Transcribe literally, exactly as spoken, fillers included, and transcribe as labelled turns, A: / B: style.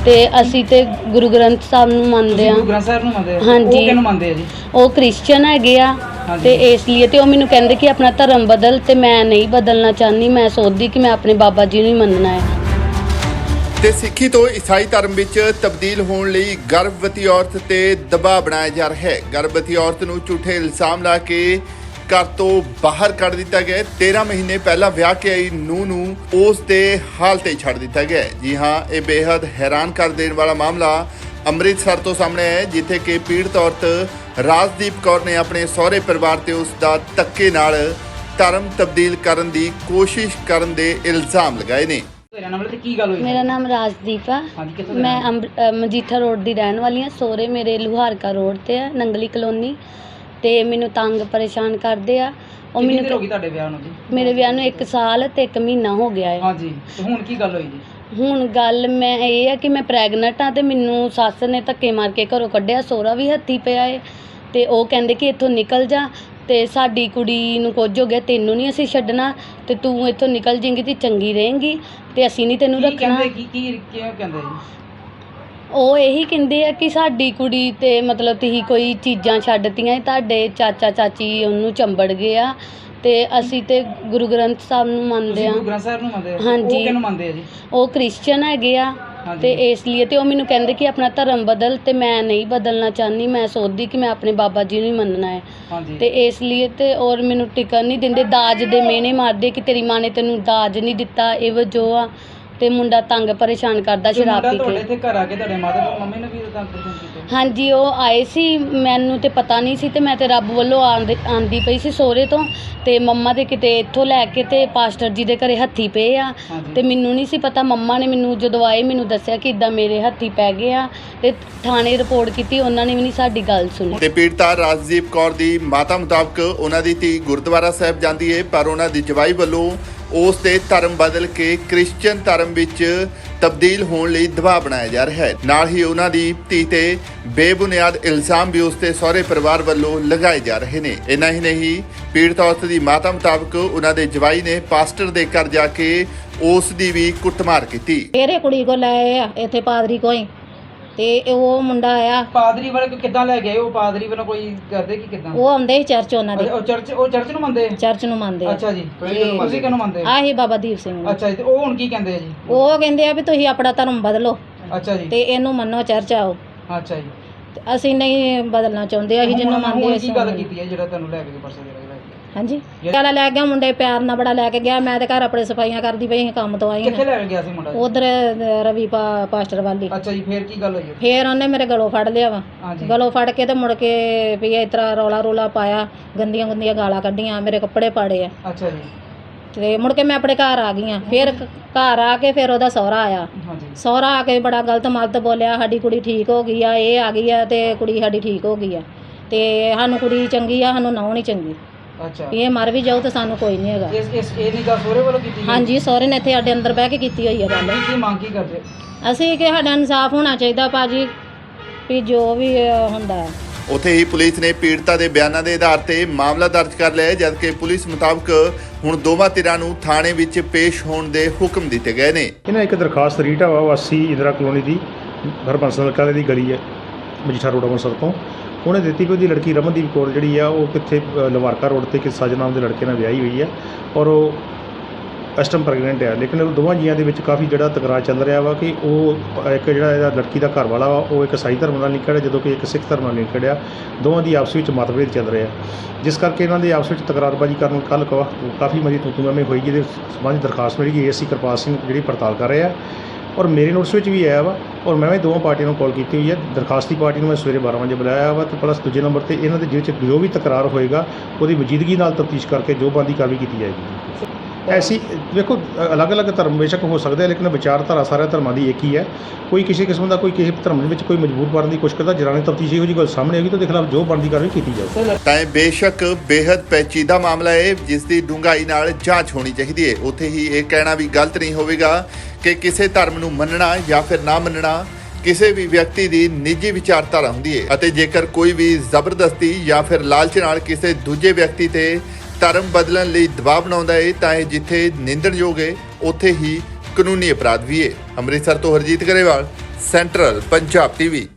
A: ਤੇ ਅਸੀਂ ਤੇ ਗੁਰੂ ਗ੍ਰੰਥ ਸਾਹਿਬ ਨੂੰ ਮੰਨਦੇ ਆ।
B: ਗੁਰੂ ਗ੍ਰੰਥ ਸਾਹਿਬ ਨੂੰ ਮੰਨਦੇ ਆ?
A: ਹਾਂਜੀ।
B: ਉਹ ਕਿਹਨੂੰ ਮੰਨਦੇ ਆ ਜੀ?
A: ਉਹ ਕ੍ਰਿਸਚਨ ਹੈਗੇ ਆ ਤੇ ਇਸ ਲਈ ਤੇ ਉਹ ਮੈਨੂੰ ਕਹਿੰਦੇ ਕਿ ਆਪਣਾ ਧਰਮ ਬਦਲ, ਤੇ ਮੈਂ ਨਹੀਂ ਬਦਲਣਾ ਚਾਹੁੰਦੀ। ਮੈਂ ਸੋਚਦੀ ਕਿ ਮੈਂ ਆਪਣੇ ਬਾਬਾ ਜੀ ਨੂੰ ਹੀ ਮੰਨਣਾ ਹੈ।
C: ਤੇ ਸਿੱਖੀ ਤੋਂ ਈਸਾਈ ਧਰਮ ਵਿੱਚ ਤਬਦੀਲ ਹੋਣ ਲਈ ਗਰਭਵਤੀ ਔਰਤ ਤੇ ਦਬਾਅ ਬਣਾਇਆ ਜਾ ਰਿਹਾ ਹੈ। ਗਰਭਵਤੀ ਔਰਤ ਨੂੰ ਝੂਠੇ ਇਲਜ਼ਾਮ ਲਾ ਕੇ ਘਰ ਤੋਂ ਬਾਹਰ ਕੱਢ ਦਿੱਤਾ ਗਿਆ। तेरह ਮਹੀਨੇ ਪਹਿਲਾਂ ਵਿਆਹ ਕੇ ਆਈ ਨੂੰਹ ਨੂੰ ਉਸ ਦੇ ਹਾਲ ਤੇ ਛੱਡ ਦਿੱਤਾ ਗਿਆ। ਜੀ ਹਾਂ, ਇਹ ਬੇहद ਹੈਰਾਨ ਕਰ ਦੇਣ ਵਾਲਾ ਮਾਮਲਾ ਅੰਮ੍ਰਿਤਸਰ ਤੋਂ ਸਾਹਮਣੇ ਆਇਆ, ਜਿੱਥੇ ਕਿ ਪੀੜਤ ਔਰਤ ਰਾਜਦੀਪ ਕੌਰ ਨੇ ਆਪਣੇ ਸਹੁਰੇ ਪਰਿਵਾਰ ਤੇ ਉਸ ਦਾ ਧੱਕੇ ਨਾਲ ਧਰਮ ਤਬਦੀਲ ਕਰਨ ਦੀ ਕੋਸ਼ਿਸ਼ ਕਰਨ ਦੇ ਇਲਜ਼ਾਮ ਲਗਾਏ ਨੇ।
A: ਮੇਰਾ ਨਾਮ ਰਾਜਦੀਪ ਆ। ਮੈਂ ਅੰਬ- ਅ, ਮਜੀਠਾ ਰੋਡ ਦੀ ਰਹਿਣ ਵਾਲੀ ਹਾਂ। ਸਹੁਰੇ ਮੇਰੇ ਲੁਹਾਰਕਾ ਰੋਡ ਤੇ ਆ, ਨੰਗਲੀ ਕਲੋਨੀ। ਤੇ ਮੈਨੂੰ ਤੰਗ ਪਰੇਸ਼ਾਨ ਕਰਦੇ ਆ। ਉਹ
B: ਕਿੰਨੀ
A: ਮੈਨੂੰ
B: ਦੇਰ ਹੋ ਗਈ ਤੁਹਾਡੇ ਵਿਆਹ ਨੂੰ ਜੀ?
A: ਮੇਰੇ ਵਿਆਹ ਨੂੰ ਇੱਕ ਸਾਲ ਤੇ ਇੱਕ ਮਹੀਨਾ ਹੋ ਗਿਆ ਹੈ।
B: ਹਾਂਜੀ, ਤੇ ਹੁਣ ਕੀ ਗੱਲ ਹੋਈ ਜੀ?
A: ਹੁਣ ਗੱਲ ਮੈਂ ਇਹ ਆ ਕਿ ਮੈਂ ਪ੍ਰੈਗਨੈਂਟ ਆ ਤੇ ਮੈਨੂੰ ਸੱਸ ਨੇ ਧੱਕੇ ਮਾਰ ਕੇ ਘਰੋਂ ਕੱਢਿਆ। ਸਹੁਰਾ ਵੀ ਹੱਥੀ ਪਿਆ ਏ ਤੇ ਉਹ ਕਹਿੰਦੇ ਕਿ ਇੱਥੋਂ ਨਿਕਲ ਜਾ, ਤੇ ਸਾਡੀ ਕੁੜੀ ਨੂੰ ਕੁਝ ਹੋ ਗਿਆ, ਤੈਨੂੰ ਨਹੀਂ ਅਸੀਂ ਛੱਡਣਾ, ਤੇ ਤੂੰ ਇੱਥੋਂ ਨਿਕਲ ਜਾਏਂਗੀ ਤੇ ਚੰਗੀ ਰਹੇਂਗੀ, ਤੇ ਅਸੀਂ ਨਹੀਂ ਤੈਨੂੰ
B: ਕੀ
A: ਰੱਖਣਾ।
B: ਕਹਿੰਦੇ? ਕੀ ਕੀ ਕਿਉਂ ਕਹਿੰਦੇ ਜੀ?
A: ਉਹ ਇਹੀ ਕਹਿੰਦੇ ਆ ਕਿ ਸਾਡੀ ਕੁੜੀ ਤੇ ਮਤਲਬ ਤੁਸੀਂ ਕੋਈ ਚੀਜ਼ਾਂ ਛੱਡਤੀਆਂ, ਤੁਹਾਡੇ ਚਾਚਾ ਚਾਚੀ ਉਹਨੂੰ ਚੰਬੜ ਗਏ ਆ, ਤੇ ਅਸੀਂ ਤੇ ਗੁਰੂ ਗ੍ਰੰਥ ਸਾਹਿਬ ਨੂੰ ਮੰਨਦੇ
B: ਤੁਸੀਂ
A: ਆ।
B: ਗੁਰੂ ਗ੍ਰੰਥ ਸਾਹਿਬ ਨੂੰ ਮੰਨਦੇ ਆ?
A: ਹਾਂਜੀ।
B: ਉਹ ਕਿਹਨੂੰ ਮੰਨਦੇ ਆ ਜੀ?
A: ਉਹ ਕ੍ਰਿਸਚਨ ਹੈਗੇ ਆ ਤੇ ਇਸ ਲਈ ਤੇ ਉਹ ਮੈਨੂੰ ਕਹਿੰਦੇ ਕਿ ਆਪਣਾ ਧਰਮ ਬਦਲ, ਤੇ ਮੈਂ ਨਹੀਂ ਬਦਲਣਾ ਚਾਹੁੰਦੀ। ਮੈਂ ਸੋਚਦੀ ਕਿ ਮੈਂ ਆਪਣੇ ਬਾਬਾ ਜੀ ਨੂੰ ਹੀ ਮੰਨਣਾ ਹੈ।
B: ਹਾਂਜੀ।
A: ਤੇ ਇਸ ਲਈ ਤੇ ਔਰ ਮੈਨੂੰ ਟਿਕਣ ਨਹੀਂ ਦਿੰਦੇ। ਦਾਜ ਦੇ ਮਿਹਣੇ ਮਾਰਦੇ ਕਿ ਤੇਰੀ ਮਾਂ ਨੇ ਤੈਨੂੰ ਦਾਜ ਨਹੀਂ ਦਿੱਤਾ, ਇਹ ਵਜੋ ਆ। ਤੇ ਮੁੰਡਾ ਤੰਗ ਪਰੇਸ਼ਾਨ ਕਰਦਾ
B: ਤੇ
A: ਸ਼ਰਾਬ
B: ਮੁੰਡਾ
A: ਪੀ
B: ਤੁਹਾਡੇ
A: ਕੇ।
B: ਇੱਥੇ ਘਰ ਆ ਕੇ ਤੁਹਾਡੇ ਮਾਤਾ ਤੇ ਮੰਮੀ ਨੇ ਵੀ ਤੰਗ ਪਰੇਸ਼ਾਨ ਕੀਤਾ?
A: ਹਾਂਜੀ, ਉਹ ਆਏ ਸੀ, ਮੈਨੂੰ ਤੇ ਪਤਾ ਨਹੀਂ ਸੀ, ਤੇ ਮੈਂ ਤੇ ਰੱਬ ਵੱਲੋਂ ਆਂਦੀ ਆਂਦੀ ਪਈ ਸੀ ਸਹੁਰੇ ਤੋਂ, ਤੇ ਮੰਮਾ ਦੇ ਕਿਤੇ ਇੱਥੋਂ ਲੈ ਕੇ ਤੇ ਪਾਸਟਰ ਜੀ ਦੇ ਘਰੇ ਹੱਥੀ ਪਏ ਆ। ਤੇ ਮੈਨੂੰ ਨਹੀਂ ਸੀ ਪਤਾ। ਮੰਮਾ ਨੇ ਮੈਨੂੰ ਜਦੋਂ ਆਏ ਮੈਨੂੰ ਦੱਸਿਆ ਕਿ ਇਦਾਂ ਮੇਰੇ ਹੱਥੀ ਪੈ ਗਏ ਆ, ਤੇ ਥਾਣੇ ਰਿਪੋਰਟ ਕੀਤੀ। ਉਹਨਾਂ ਨੇ ਵੀ ਨਹੀਂ ਸਾਡੀ ਗੱਲ ਸੁਣੀ।
C: ਤੇ ਪੀੜਤਾ ਰਾਜਦੀਪ ਕੌਰ ਦੀ ਮਾਤਾ ਮੁਤਾਬਕ ਉਹਨਾਂ ਦੀ ਧੀ ਗੁਰਦੁਆਰਾ ਸਾਹਿਬ ਜਾਂਦੀ ਹੈ, ਪਰ ਉਹਨਾਂ ਦੀ ਜਵਾਈ ਵੱਲੋਂ ਉਸ ਦੇ ਧਰਮ ਬਦਲ ਕੇ ਕ੍ਰਿਸਚਨ ਧਰਮ ਵਿੱਚ ਤਬਦੀਲ ਹੋਣ ਲਈ ਦਬਾਅ ਬਣਾਇਆ ਜਾ ਰਿਹਾ ਹੈ। ਨਾਲ ਹੀ ਉਹਨਾਂ ਦੀ ਧੀ ਤੇ ਬੇਬੁਨਿਆਦ ਇਲਜ਼ਾਮ ਵੀ ਉਸ ਦੇ ਸਹੁਰੇ ਪਰਿਵਾਰ ਵੱਲੋਂ ਲਗਾਏ ਜਾ ਰਹੇ ਨੇ। ਇੰਨਾ ਹੀ ਨਹੀਂ, ਪੀੜਤ ਔਰਤ ਦੀ ਮਾਤਾ ਮੁਤਾਬਕ ਉਹਨਾਂ ਦੇ ਜਵਾਈ ਨੇ ਪਾਸਟਰ ਦੇ ਘਰ ਜਾ ਕੇ ਉਸ ਦੀ ਵੀ ਕੁੱਟਮਾਰ ਕੀਤੀ।
D: ਤੇਰੇ ਕੁੜੀ ਕੋ ਲੈ ਆਏ ਆ ਇੱਥੇ ਪਾਦਰੀ ਕੋਈ, ਤੇ ਉਹ ਮੁੰਡਾ ਆਇਆ।
B: ਪਾਦਰੀ ਵਾਲੇ ਕਿੱਦਾਂ ਲੈ ਗਏ? ਉਹ ਪਾਦਰੀ ਵੱਲੋਂ ਕੋਈ ਕਰਦੇ ਕਿ ਕਿੱਦਾਂ?
D: ਉਹ ਆਉਂਦੇ ਸੀ ਚਰਚ ਉਹਨਾਂ ਦੇ।
B: ਉਹ ਚਰਚ ਉਹ ਚਰਚ ਨੂੰ ਮੰਨਦੇ?
D: ਚਰਚ ਨੂੰ ਮੰਨਦੇ ਆ।
B: ਅੱਛਾ ਜੀ। ਤੁਸੀਂ ਕਿਹਨੂੰ ਮੰਨਦੇ?
D: ਆਹੀ ਬਾਬਾ ਦੀਪ ਸਿੰਘ ਨੂੰ।
B: ਅੱਛਾ ਜੀ। ਤੇ ਉਹ ਹੁਣ ਕੀ ਕਹਿੰਦੇ ਆ ਜੀ?
D: ਉਹ ਕਹਿੰਦੇ ਆ ਵੀ ਤੁਸੀਂ ਆਪਣਾ ਧਰਮ ਬਦਲੋ
B: ਅੱਛਾ ਜੀ।
D: ਤੇ ਇਹਨੂੰ ਮੰਨੋ, ਚਰਚ ਆਓ।
B: ਅੱਛਾ ਜੀ।
D: ਤੇ ਅਸੀਂ ਨਹੀਂ ਬਦਲਣਾ ਚਾਹੁੰਦੇ, ਅਸੀਂ ਜਿਹਨੂੰ ਮੰਨਦੇ
B: ਹੁਣ
D: ਅਸੀਂ
B: ਕੀ ਗੱਲ ਕੀਤੀ ਹੈ ਜਿਹੜਾ ਤੁਹਾਨੂੰ ਲੈ ਕੇ ਪਰਸੇ ਦੇ ਰਿਹਾ?
D: ਹਾਂਜੀ, ਕਾਲਾ ਲੈ ਗਿਆ ਮੁੰਡੇ, ਪਿਆਰ ਨਾਲ ਬੜਾ ਲੈ ਕੇ ਗਿਆ। ਮੈਂ ਤੇ ਘਰ ਆਪਣੇ ਸਫਾਈਆਂ ਕਰਦੀ ਪਈ ਸੀ, ਕੰਮ ਤੋਂ ਆਈ
B: ਕਿੱਥੇ ਲੈ ਕੇ ਗਿਆ ਸੀ ਮੁੰਡਾ?
D: ਉਧਰ ਰਵੀ ਪਾ- ਪਾਸਟਰ ਵਾਲੀ।
B: ਅੱਛਾ ਜੀ। ਫੇਰ ਕੀ ਗੱਲ ਹੋਈ?
D: ਫੇਰ ਉਹਨੇ ਮੇਰੇ ਗਲੋਂ ਫੜ ਲਿਆ ਵਾ। ਗਲੋਂ ਫੜ ਕੇ ਤੇ ਮੁੜ ਕੇ ਵੀ ਇਸ ਤਰ੍ਹਾਂ ਰੌਲਾ ਰੌਲਾ ਪਾਇਆ, ਗੰਦੀਆਂ ਗੰਦੀਆਂ ਗਾਲਾਂ ਕੱਢੀਆਂ, ਮੇਰੇ ਕੱਪੜੇ ਪਾੜੇ ਆ।
B: ਅੱਛਾ ਜੀ।
D: ਤੇ ਮੁੜ ਕੇ ਮੈਂ ਆਪਣੇ ਘਰ ਆ ਗਈ ਆ। ਫਿਰ ਘਰ ਆ ਕੇ ਫਿਰ ਉਹਦਾ ਸਹੁਰਾ ਆਇਆ। ਸਹੁਰਾ ਆ ਕੇ ਬੜਾ ਗਲਤ ਮਲਤ ਬੋਲਿਆ, ਸਾਡੀ ਕੁੜੀ ਠੀਕ ਹੋ ਗਈ ਆ, ਇਹ ਆ ਗਈ ਆ ਤੇ ਕੁੜੀ ਸਾਡੀ ਠੀਕ ਹੋ ਗਈ ਆ, ਤੇ ਸਾਨੂੰ ਕੁੜੀ ਚੰਗੀ ਆ, ਸਾਨੂੰ ਨਹੁੰ ਨਹੀਂ ਚੰਗੀ।
B: ਅੱਛਾ।
D: ਇਹ ਮਰ ਵੀ ਜਾਊ ਤੇ ਸਾਨੂੰ ਕੋਈ ਨਹੀਂ ਹੈਗਾ।
B: ਇਸ ਇਸ ਇਹ ਨਹੀਂ ਗੱਲ ਸਹੁਰੇ ਵੱਲੋਂ ਕੀਤੀ?
D: ਹਾਂਜੀ, ਸਹੁਰੇ ਨੇ ਇੱਥੇ ਸਾਡੇ ਅੰਦਰ ਬਹਿ ਕੇ ਕੀਤੀ ਹੋਈ ਆ ਗੱਲ।
B: ਕੀ ਮੰਗ ਕੀ ਕਰਦੇ?
D: ਅਸੀਂ ਕਿ ਸਾਡਾ ਇਨਸਾਫ ਹੋਣਾ ਚਾਹੀਦਾ ਭਾਜੀ, ਵੀ ਜੋ ਵੀ ਹੁੰਦਾ ਹੈ।
C: ਉੱਥੇ ਹੀ ਪੁਲਿਸ ਨੇ ਪੀੜਤਾ ਦੇ ਬਿਆਨਾਂ ਦੇ ਆਧਾਰ ਤੇ ਮਾਮਲਾ ਦਰਜ ਕਰ ਲਿਆ ਹੈ, ਜਦਕਿ ਪੁਲਿਸ ਮੁਤਾਬਕ ਹੁਣ ਦੋਵਾਂ ਧਿਰਾਂ ਨੂੰ ਥਾਣੇ ਵਿੱਚ ਪੇਸ਼ ਹੋਣ ਦੇ ਹੁਕਮ ਦਿੱਤੇ ਗਏ ਨੇ।
E: ਇਹਨਾਂ ਇੱਕ ਦਰਖਾਸਤ ਰੀਟਾ ਵਾ ਵਾਸੀ ਇੰਦਰਾ ਕਲੋਨੀ ਦੀ ਹਰਬੰਸਲ ਕਾਲੇ ਦੀ ਗਲੀ ਹੈ, ਮਜੀਠਾ ਰੋਡ ਅੰਮ੍ਰਿਤਸਰ ਤੋਂ। ਉਹਨੇ ਦਿੱਤੀ ਕਿ ਉਹਦੀ ਲੜਕੀ ਰਮਨਦੀਪ ਕੌਰ ਜਿਹੜੀ ਆ ਉਹ ਕਿੱਥੇ ਲਵਾਰਕਾ ਰੋਡ ਤੇ ਕਿਸ ਸਾਜਨ ਨਾਮ ਦੇ ਲੜਕੇ ਨਾਲ ਵਿਆਹੀ ਹੋਈ ਹੈ, ਔਰ ਉਹ ਇਸ ਟਾਈਮ ਪ੍ਰੈਗਨੈਂਟ ਹੈ। ਲੇਕਿਨ ਉਹ ਦੋਵਾਂ ਜੀਆਂ ਦੇ ਵਿੱਚ ਕਾਫੀ ਜਿਹੜਾ ਤਕਰਾਰ ਚੱਲ ਰਿਹਾ ਵਾ ਕਿ ਉਹ ਇੱਕ ਜਿਹੜਾ ਇਹਦਾ ਲੜਕੀ ਦਾ ਘਰ ਵਾਲਾ ਵਾ ਉਹ ਇੱਕ ਈਸਾਈ ਧਰਮ ਨਾਲ ਲਿੰਕੜ ਹੈ, ਜਦੋਂ ਕਿ ਇੱਕ ਸਿੱਖ ਧਰਮ ਨਾਲ ਲਿੰਕੜ ਆ। ਦੋਵਾਂ ਦੀ ਆਪਸ ਵਿੱਚ ਮਤਭੇਦ ਚੱਲ ਰਿਹਾ, ਜਿਸ ਕਰਕੇ ਇਹਨਾਂ ਦੇ ਆਪਸ ਵਿੱਚ ਤਕਰਾਰਬਾਜ਼ੀ ਕਰਨ ਕੱਲ੍ਹ ਕਾਫੀ ਮਰੀ ਤੂੰ ਤੂੰ ਮੈਂ ਹੋਈ, ਜਿਹਦੇ ਸੰਬੰਧੀ ਦਰਖਾਸਤ ਮਿਲੀ ਗਈ। ਏ ਸੀ ਕਿਰਪਾਲ ਸਿੰਘ ਜਿਹੜੀ ਪੜਤਾਲ ਕਰ ਰਹੇ ਆ, ਔਰ ਮੇਰੇ ਨੋਟਿਸ ਵਿੱਚ ਵੀ ਆਇਆ ਵਾ, ਔਰ ਮੈਂ ਵੀ ਦੋਵਾਂ ਪਾਰਟੀਆਂ ਨੂੰ ਕਾਲ ਕੀਤੀ ਹੋਈ ਹੈ। ਦਰਖਾਸਤੀ ਪਾਰਟੀ ਨੂੰ ਮੈਂ ਸਵੇਰੇ ਬਾਰਾਂ ਵਜੇ ਬੁਲਾਇਆ ਵਾ, ਅਤੇ ਪਲੱਸ ਦੂਜੇ ਨੰਬਰ 'ਤੇ ਇਹਨਾਂ ਦੇ ਜਿਹਦੇ 'ਚ ਜੋ ਵੀ ਤਕਰਾਰ ਹੋਏਗਾ ਉਹਦੀ ਵਜੀਦਗੀ ਨਾਲ ਤਫਤੀਸ਼ ਕਰਕੇ ਜੋ ਬਣਦੀ ਕਾਰਵਾਈ ਕੀਤੀ ਜਾਏਗੀ। ਐਸੀ ਵੇਖੋ ਅਲੱਗ ਅਲੱਗ ਧਰਮ ਬੇਸ਼ੱਕ ਹੋ ਸਕਦੇ ਆ, ਲੇਕਿਨ ਵਿਚਾਰਧਾਰਾ ਸਾਰਿਆਂ ਧਰਮਾਂ ਦੀ ਇੱਕ ਹੀ ਹੈ। ਕੋਈ ਕਿਸੇ ਕਿਸਮ ਦਾ ਕੋਈ ਕਿਸੇ ਧਰਮ ਦੇ ਵਿੱਚ ਕੋਈ ਮਜਬੂਰ ਕਰਨ ਦੀ ਕੋਸ਼ਿਸ਼ ਕਰਦਾ, ਜਰਾਨੀ ਤਫਤੀਸ਼ ਇਹੋ ਜਿਹੀ ਗੱਲ ਸਾਹਮਣੇ ਆਏਗੀ ਤਾਂ ਉਹਦੇ ਖਿਲਾਫ ਜੋ ਬਣਦੀ ਕਾਰਵਾਈ ਕੀਤੀ ਜਾਵੇ।
C: ਤਾਂ ਇਹ ਬੇਸ਼ੱਕ ਬੇहद ਪੈਚੀਦਾ ਮਾਮਲਾ ਹੈ, ਜਿਸ ਦੀ ਡੂੰਘਾਈ ਨਾਲ ਜਾਂਚ ਹੋਣੀ ਚਾਹੀਦੀ ਹੈ। ਉੱਥੇ ਹੀ ਇਹ ਕਹਿਣਾ ਵੀ ਗਲਤ ਨਹੀਂ ਹੋਵੇਗਾ ਕਿ ਕਿਸੇ ਧਰਮ ਨੂੰ ਮੰਨਣਾ ਜਾਂ ਫਿਰ ਨਾ ਮੰਨਣਾ ਕਿਸੇ ਵੀ ਵਿਅਕਤੀ ਦੀ ਨਿੱਜੀ ਵਿਚਾਰਧਾਰਾ ਹੁੰਦੀ ਹੈ, ਅਤੇ ਜੇਕਰ ਕੋਈ ਵੀ ਜ਼ਬਰਦਸਤੀ ਜਾਂ ਫਿਰ ਲਾਲਚ ਨਾਲ ਕਿਸੇ ਦੂਜੇ ਵਿਅਕਤੀ ਤੇ ਧਰਮ ਬਦਲਣ ਲਈ ਦਬਾਅ ਬਣਾਉਂਦਾ ਹੈ ਤਾਂ ਇਹ ਜਿੱਥੇ ਨਿੰਦਣਯੋਗ ਹੈ ਉੱਥੇ ਹੀ ਕਾਨੂੰਨੀ ਅਪਰਾਧ ਵੀ ਹੈ। ਅੰਮ੍ਰਿਤਸਰ ਤੋਂ ਹਰਜੀਤ ਗਰੇਵਾਲ, ਸੈਂਟਰਲ ਪੰਜਾਬ ਟੀਵੀ।